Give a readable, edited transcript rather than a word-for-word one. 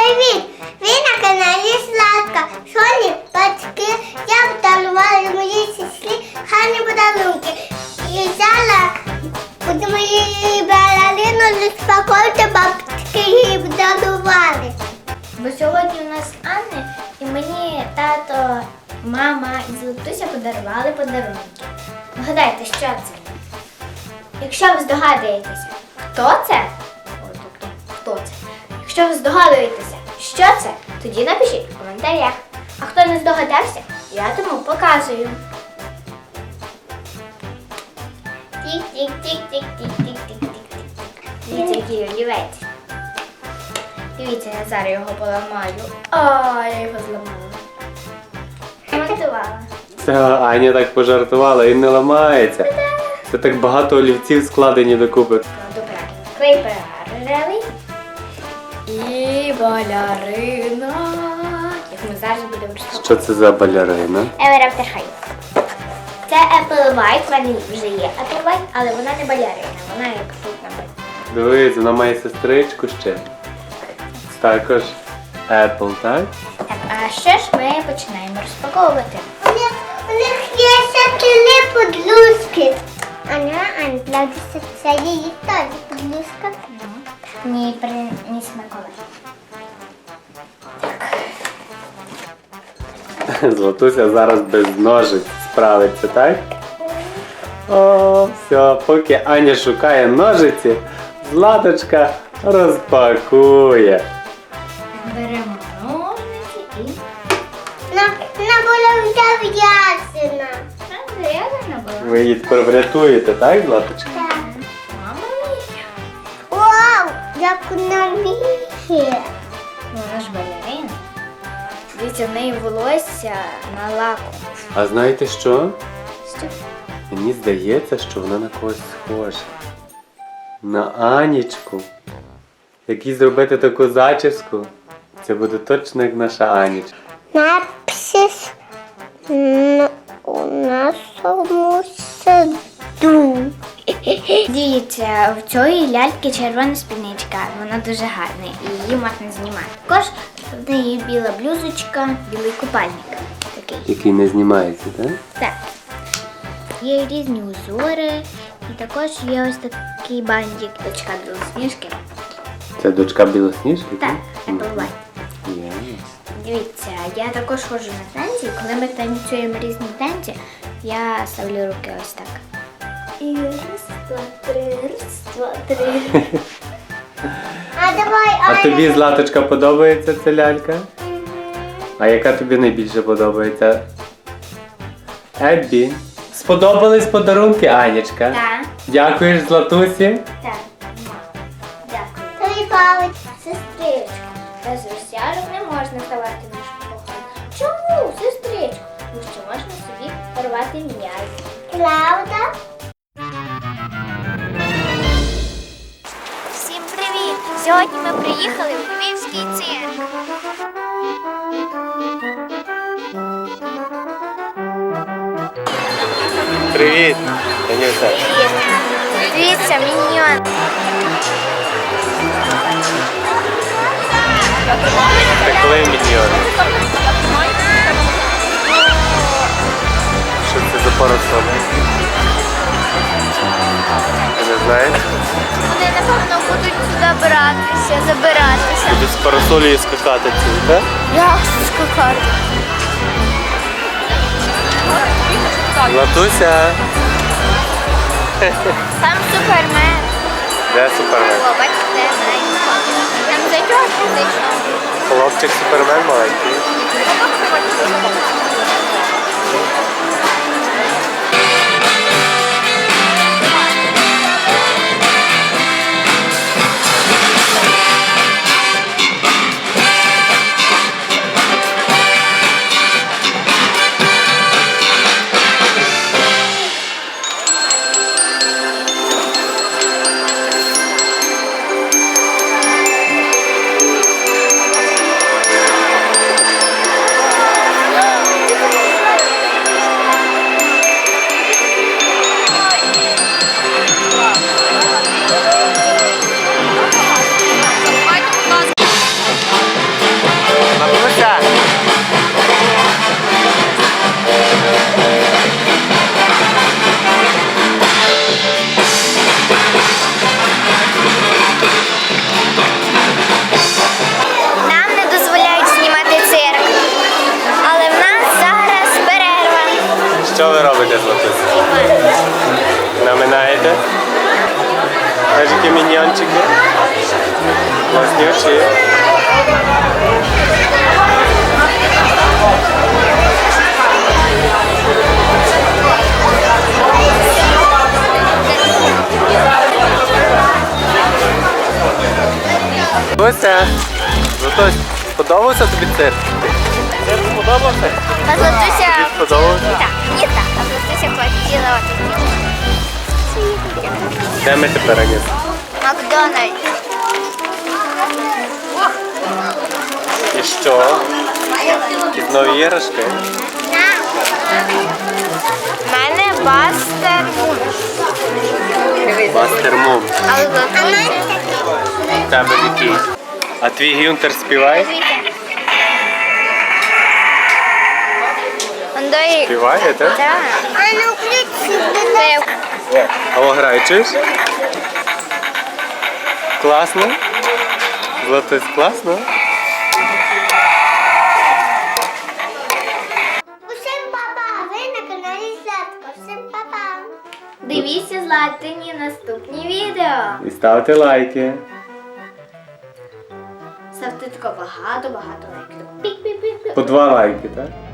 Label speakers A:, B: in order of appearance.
A: привіт! Ви на каналі Златка. Сьогодні батьки я подарувала моїй сестрі гарні подарунки. І зараз будемо її балерину розпаковувати, батьки її подарували.
B: Бо сьогодні у нас Анна, і мені тато, мама і Златуся подарували подарунки. Вгадайте, що це? Якщо ви здогадуєтеся, хто це? Тобто, хто це? Якщо ви здогадуєтеся, що це, тоді напишіть в коментарях. А хто не здогадався, я тому показую. Тік-тік-тік-тік-тік-тік-тік-тік-тік. Дивіться, який олівець. Дивіться, я зараз його поламаю. Я його зламала. Монтувала.
C: Це Аня так пожартувала, він не ламається. Це так багато олівців складені докупи.
B: Добре. Клей перервий. І балерина. Як ми зараз будемо розпаковувати.
C: Що це за балерина?
B: Ever After High. Це Apple White, в мене вже є Apple White, але вона не балерина, вона як тут написано.
C: Дивись, вона має сестричку ще. Також Apple, так?
B: Так, а що ж ми починаємо розпаковувати?
A: У них є ще 3 подружки. Аня, плавиться, це її теж подружка.
B: Мені приніс Миколай.
C: Златуся зараз без ножиць справиться, так? О, все, поки Аня шукає ножиці, Златочка розпакує.
B: Беремо ножниці і...
A: Вона була вже в'язана.
B: Зарядана була.
C: Ви її тепер врятуєте, так, Златочка?
A: Так.
B: Мама мія.
A: Вау, як вона вміє.
B: Вона ж балерина. Дивіться, в неї волосся на лаку.
C: А знаєте що?
B: Що?
C: Мені здається, що вона на когось схожа. На Анічку. Як їй зробити таку зачіску, це буде точно як наша Анічка.
A: Напис у нашому саду.
B: Дивіться, в цієї ляльки червона спідничка. Вона дуже гарна і її можна знімати. Також в неї біла блюзочка, білий купальник. Такий.
C: Який не знімається, так?
B: Так. Є різні узори. І також є ось такий бантик, дочка Білосніжки.
C: Це дочка Білосніжки?
B: Так, Apple White.
C: Є.
B: Дивіться, я також ходжу на танці, і коли ми танцюємо різні танці, я ставлю руки ось так. І раз, два, три.
A: А давай,
C: А тобі, Златочка, подобається ця лялька? А яка тобі найбільше подобається? Еббі. Сподобались подарунки, Анічка?
B: Так.
C: Дякуєш, Златусі?
B: Так. Дякую.
A: Тобі палець.
B: Сестричко, без розтяжок не можна ставати нашу кохану. Чому, сестричко? Тому що можна собі порвати м'яз.
A: Правда?
B: Всім привіт! Сьогодні ми приїхали в Львівський цирк.
C: Привіт, Танюша.
B: Дивіться, міньйон.
C: Це коли міньйони? Що це за парасоли? Ти не знаєш?
B: Вони, напевно, будуть сюди забиратися.
C: Будуть з парасолі скакати ці, так?
B: Як скакати?
C: Златуся.
B: Там Супермен.
C: Де Супермен?
B: О, бачите, там зайчок зайшов.
C: Хлопчик Супермен маленький. Не вчи. Златуся, Златусь, сподобався тобі цирк? Цирк сподобався?
B: А Златуся...
C: Тобі сподобався?
B: Так, мені так, а Златуся хотіла
C: Де ми тепер, Аніс?
B: Макдональдс.
C: І що? Якісь нові іграшки?
B: У мене Бастер Мун.
C: Бастер Мум.
B: А Златуся...
C: В тебе який? А твій Гюнтер співає?
B: Андой...
C: Співає, так?
B: Так.
A: А ну включи.
C: А о, грає, чуєш? Класно? Златусь, класно?
A: Усім папа, ви на каналі Златко. Всім папа.
B: Дивіться Златині наступні відео.
C: І ставте лайки.
B: Ставте тако багато лайків. Пік-пік-пік-пік.
C: По 2 лайки, так?